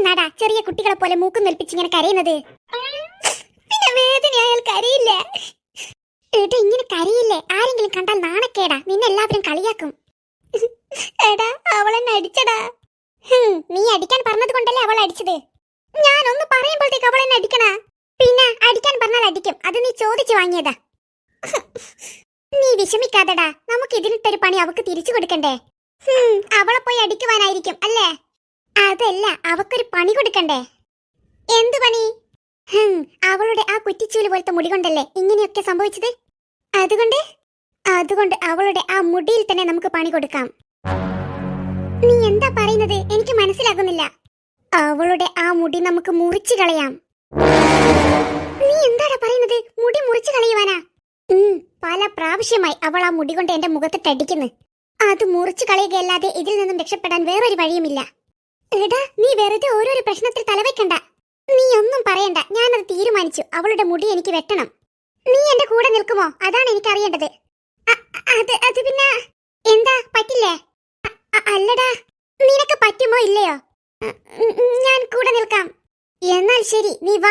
എന്തിനാടാ ചെറിയ കുട്ടികളെ പോലെ മൂക്കും നെൽപ്പിച്ച് ഇങ്ങനെ കരയുന്നത്? പിന്നെ വേദനയായാൽ കരയില്ല. ഏട്ടാ ഇങ്ങനെ കരയില്ലേ? ആരെങ്കിലും കണ്ടാൽ നാണക്കേടാ, നിന്നെ എല്ലാവരും കളിയാക്കും. എടാ അവളെന്നെ അടിച്ചടാ. നീ അടിക്കാൻ പറഞ്ഞത് കൊണ്ടല്ലേ അവൾ അടിച്ചത്. ഞാനൊന്ന് പറയുമ്പോഴത്തേക്ക് അവൾ എന്നെ അടിക്കണ. പിന്നെ അടിക്കാൻ പറഞ്ഞാൽ അടിക്കും, അത് നീ ചോദിച്ചു വാങ്ങിയതാ. നീ വിഷമിക്കാതെടാ, നമുക്ക് ഇതിനിട്ടൊരു പണി അവക്ക് തിരിച്ചു കൊടുക്കണ്ടേ? അവളെ പോയി അടിക്കുവാനായിരിക്കും അല്ലേ? അതല്ല, അവക്കൊരു പണി കൊടുക്കണ്ടേ? എന്ത് പണി? അവളുടെ ആ കുറ്റിച്ചൂല് പോലത്തെ മുടി കൊണ്ടല്ലേ ഇങ്ങനെയൊക്കെ സംഭവിച്ചത്. അതുകൊണ്ട് അവളുടെ ആ മുടിയിൽ തന്നെ നമുക്ക് പണി കൊടുക്കാം. നീ എന്താ പറയുന്നത്? എനിക്ക് മനസ്സിലാകുന്നില്ല. അവളുടെ ആ മുടി നമുക്ക് മുറിച്ചു കളയാം. നീ എന്താടാ പറയുന്നത്? മുടി മുറിച്ചു കളയുവാനാ? പല പ്രാവശ്യമായി അവൾ ആ മുടി കൊണ്ട് എന്റെ മുഖത്തിട്ടടിക്കുന്നു. അത് മുറിച്ചു കളയുകയല്ലാതെ ഇതിൽ നിന്നും രക്ഷപ്പെടാൻ വേറൊരു വഴിയുമില്ല. എടാ നീ വെറുതെ ഓരോരോ പ്രശ്നത്തിൽ തലവെക്കണ്ട. നീ ഒന്നും പറയണ്ട, ഞാനത് തീരുമാനിച്ചു. അവളുടെ മുടി എനിക്ക് വെട്ടണം. നീ എന്റെ കൂടെ നിൽക്കുമോ? അതാണ് എനിക്ക് അറിയേണ്ടത്. അത് പിന്നെ എന്താ പറ്റില്ലേ? അല്ലടാ, നിനക്ക് പറ്റുമോ ഇല്ലയോ? ഞാൻ കൂടെ നിൽക്കാം. എന്നാൽ ശരി, നീ വാ.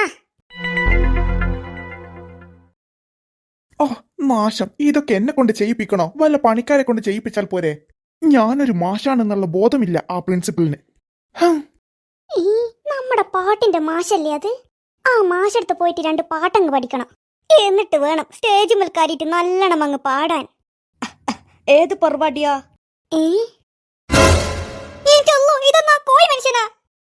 ഓ നാശം, ഇതൊക്കെ എന്നെ കൊണ്ട് ചെയ്യിപ്പിക്കണോ? വല്ല പണിക്കാരെ കൊണ്ട് ചെയ്യിപ്പിച്ചാൽ പോരെ? ഞാനൊരു മാഷാണെന്നുള്ള ബോധമില്ല ആ പ്രിൻസിപ്പലിന്. നമ്മുടെ പാട്ടിന്റെ മാഷല്ലേ അത്? ആ മാഷടുത്ത് പോയിട്ട് 2 പാട്ടങ്ങ് പഠിക്കണം. എന്നിട്ട് വേണം സ്റ്റേജ് മേൽ കയറിയിട്ട് നല്ലോണം അങ്ങ് പാടാൻ. ഏത് പരിപാടിയാ? ഇതൊന്നാ കോഴി മനുഷ്യനാ?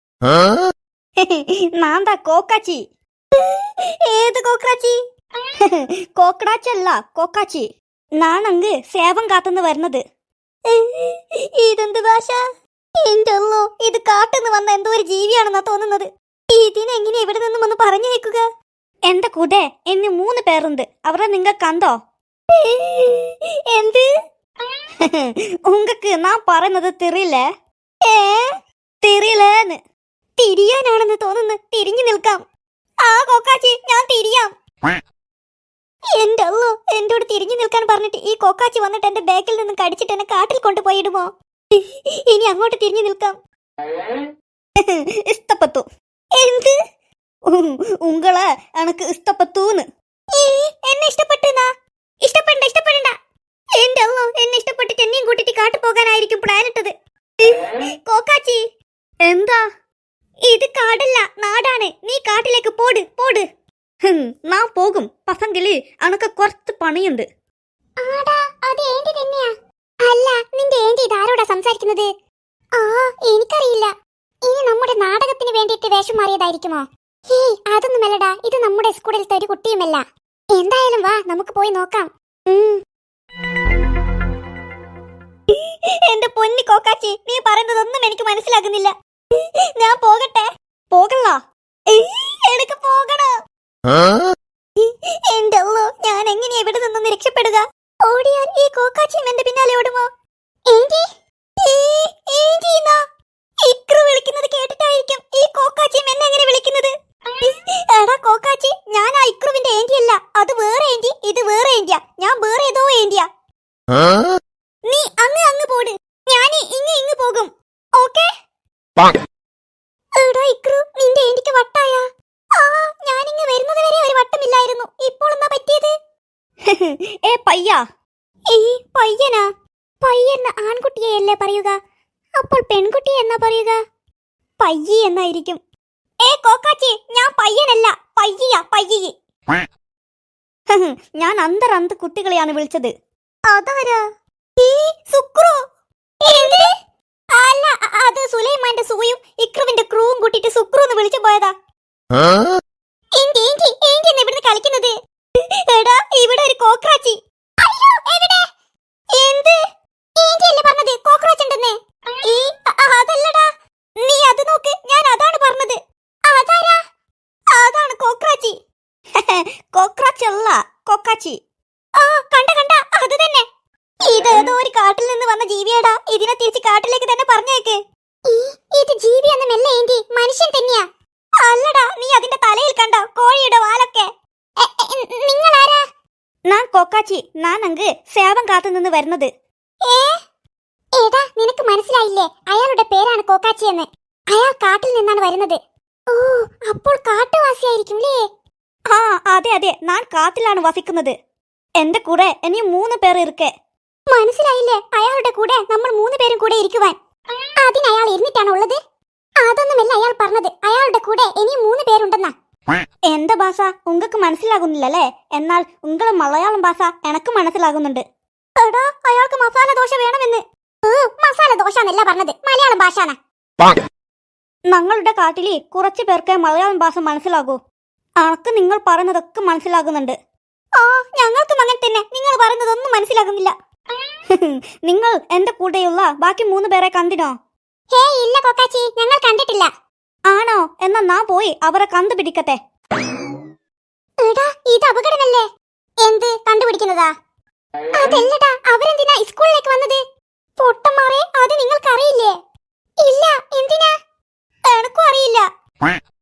നാന്താ കോക്കാച്ചി. ഏത് കോക്രാച്ചി? കോക്കടാച്ചല്ല, കോക്കാച്ചി. നാണങ്ക് സേവം കാത്തുനിന്ന് വരുന്നത്. ഇതെന്ത് ഭാഷ? എന്തല്ലോ, ഇത് കാട്ടുന്ന് വന്ന എന്തോ ഒരു ജീവിയാണെന്നാ തോന്നുന്നത്. ഇതിനെങ്ങനെ ഇവിടെ നിന്നും ഒന്ന് പറഞ്ഞു വെക്കുക? എന്റെ കൂടെ ഇന്ന് 3 പേരുണ്ട്. അവരെ നിങ്ങ കണ്ടോ? എന്ത്? ഉങ്ങക്ക് നാൻ പറയുന്നത് തിരിയില്ലേ? തിരിയില്ലേന്ന്. തിരിയാനാണെന്ന് തോന്നുന്നു. തിരിഞ്ഞു നിൽക്കാം. ആ കോക്കാച്ചി, ഞാൻ തിരിയാം. എന്തല്ലോ, എന്നോട് തിരിഞ്ഞു നിൽക്കാൻ പറഞ്ഞിട്ട് ഈ കോക്കാച്ചി വന്നിട്ട് എന്റെ ബാക്കിൽ നിന്ന് കടിച്ചിട്ട് എന്നെ കാട്ടിൽ കൊണ്ടുപോയിടുമോ? ഇനി അങ്ങോട്ട് തിരിഞ്ഞു നിൽക്കാം. ഇഷ്ടപ്പെട്ടു. എന്ത്? ഉങ്ങളെ എനക്ക് ഇഷ്ടപ്പെട്ടൂന്ന്. എന്നെ ഇഷ്ടപ്പെട്ടുന്നാ? ഇഷ്ടപ്പെടണ്ട. എന്റെ അല്ലോ, എന്നെ ഇഷ്ടപ്പെട്ടിട്ട് എന്നെയും കൂട്ടിട്ട് കാട്ടു പോകാനായിരിക്കും പ്ലാൻ ഇട്ടത്. കോക്കാച്ചി, എന്താ? ഇത് കാടല്ല, നാടാണ്. നീ കാട്ടിലേക്ക് പോട്. നാൻ പോകും. പസങ്കില് എനക്ക് കുറച്ച് പണിയുണ്ട്. അല്ല, നിന്റെ ഏന്റി ഇതാരോടാ സംസാരിക്കുന്നത്? എനിക്കറിയില്ല. ഇനി നമ്മുടെ നാടകത്തിന് വേണ്ടിയിട്ട് വേഷം മാറിയതായിരിക്കുമോ? അതൊന്നുമല്ലടാ, ഇത് നമ്മുടെ സ്കൂളിലത്തെ ഒരു കുട്ടിയുമല്ല. എന്തായാലും വാ, നമുക്ക് പോയി നോക്കാം. എന്റെ പൊന്നി കോക്കാച്ചി, നീ പറയുന്നതൊന്നും എനിക്ക് മനസ്സിലാകുന്നില്ല. ഞാൻ പോകട്ടെ? പോകല്ല. എനിക്ക് പോകണോ? എന്റെ അല്ലോ, ഞാൻ എങ്ങനെയാ ഇവിടെ നിന്നൊന്ന് രക്ഷപ്പെടുക? ഓടിയാൽ ഈ കോക്കാച്ചിയും എന്റെ പിന്നാലെ ഓടുമോ? ഇക്രു വിളിക്കുന്നത് കേട്ടിട്ടായിരിക്കും ഈ കോക്കാച്ചിയും എന്നെ എങ്ങനെ വിളിക്കുന്നത്. എടാ കോക്കാച്ചി, ഞാൻ ആ ഇക്രുവിന്റെ ഏന്റി അല്ല. അത് വേറെ ഏന്റി, ഇത് വേറെ ഏന്റിയാ. ഞാൻ വേറെ ഏതോ ഏന്റിയാ. നീ അങ്ങ് പോട്, ഞാൻ ഇങ്ങ് പോകും. ഓക്കേ? എടാ ഇക്രു, നിന്റെ ഏന്റിക്ക് വട്ടായ? ഞാനിങ്ങ് വരുന്നത് വരെ ഒരു വട്ടമില്ലായിരുന്നു. ഇപ്പോൾ എന്താ പറ്റിയത്? പയ്യാ. പയ്യനാ? പയ്യെന്ന ആൺകുട്ടിയെയല്ലേ പറയുക? അപ്പോൾ പെൺകുട്ടിയെ എന്നാ പറയുക? പയ്യി എന്നായിരിക്കും. കോക്കാച്ചി, ഞാൻ പയ്യനല്ല, പയ്യി. ഞാൻ അന്തർ കുട്ടികളെയാണ് വിളിച്ചത്. അതാരാ? സുക്രു. അല്ല, അത് സുലൈമാന്റെ സൂയും ഇക്രുവിന്റെ ക്രൂവും കൂട്ടിട്ട് സുക്രു എന്ന് വിളിച്ചു പോയതാ. ഇവിടുന്ന് കളിക്കുന്നത്. എടാ, ഇവിടെ ഒരു കോക്രാച്ചി. എന്ത്? ഏന്റിയല്ലേ പറഞ്ഞത് കോക്രോച്ച് ഉണ്ടെന്ന്? അതല്ലടാ, നീ അത് നോക്ക്, ഞാൻ അതാണ് പറഞ്ഞത്. അതാരാ? അതാണ് കോക്രാച്ചി. കോക്രാച്ച് അല്ല, കൊക്കാച്ചി. കണ്ട, അത് തന്നെ. ഇതേതോ ഒരു കാട്ടിൽ നിന്ന് വന്ന ജീവിയാടാ. ഇതിനെ തിരിച്ച് കാട്ടിലേക്ക് തന്നെ പറഞ്ഞേക്ക്. ഇത് ജീവിയൊന്നുമല്ല ഏന്റി, മനുഷ്യൻ തന്നെയാ. അല്ലടാ, നീ അതിന്റെ തലയിൽ കണ്ടോ കോഴിയുടെ വാലൊക്കെ? നിങ്ങളാരാ? ഞാൻ കൊക്കാച്ചി. നാനങ്ക് സേവം കാത്തുനിന്ന് വരുന്നത്. എടാ, നിനക്ക് മനസ്സിലായില്ലേ? അയാളുടെ പേരാണ് കോക്കാച്ചി എന്ന്. അയാൾ കാട്ടിൽ നിന്നാണ് വരുന്നത്. ഓ, അപ്പോൾ കാട്ടുവാസിയായിരിക്കും അല്ലേ? ആ അതെ അതെ, ഞാൻ കാട്ടിലാണ് വസിക്കുന്നത്. എന്റെ കൂടെ ഇനിയും 3 പേർ ഇരിക്കെ. മനസ്സിലായില്ലേ? അയാളുടെ കൂടെ നമ്മൾ 3 പേരും കൂടെ ഇരിക്കുവാൻ. അതിന് അയാൾ ഇരുന്നിട്ടാണ് ഉള്ളത്? അതൊന്നുമല്ല അയാൾ പറഞ്ഞത്. അയാളുടെ കൂടെ ഇനിയും 3 പേരുണ്ടെന്നാ. എന്റെ ഭാഷ ഉങ്ങൾക്ക് മനസ്സിലാകുന്നില്ലല്ലേ? എന്നാൽ ഉങ്ങളെ മലയാളം ഭാഷ എനക്ക് മനസ്സിലാകുന്നുണ്ട്. എടാ, അയാൾക്ക് മസാല ദോശ വേണമെന്ന്. മസാല ദോശ എന്നല്ല പറഞ്ഞത്, മലയാളം ഭാഷാണ്. ഞങ്ങളുടെ കാട്ടില് കുറച്ചു പേർക്ക് മലയാളം ഭാഷ മനസ്സിലാകൂ. അനക്ക് നിങ്ങൾ പറയുന്നതൊക്കെ മനസ്സിലാകുന്നുണ്ട്. ആ, ഞങ്ങൾക്കും അങ്ങനെ തന്നെ. നിങ്ങൾ പറയുന്നതൊന്നും മനസ്സിലാകുന്നില്ല. നിങ്ങൾ എന്റെ കൂടെയുള്ള ബാക്കി 3 പേരെ കണ്ടിനോ? ഹേ, ഇല്ല കൊക്കാച്ചി, ഞങ്ങൾ കണ്ടിട്ടില്ല. ആണോ? എന്നാ ഞാൻ പോയി അവരെ കണ്ടുപിടിക്കട്ടെ. എടാ, ഇത് അപകടമല്ലേ? എന്ത് കണ്ടുപിടിക്കുന്നതാ? അതല്ലടാ, അവരെന്തിനാ സ്കൂളിലേക്ക് വന്നത്? പൊട്ടന്മാരെ, അത് നിങ്ങൾക്കറിയില്ലേ? ഇല്ല, എന്തിനാ? എനക്കും അറിയില്ല.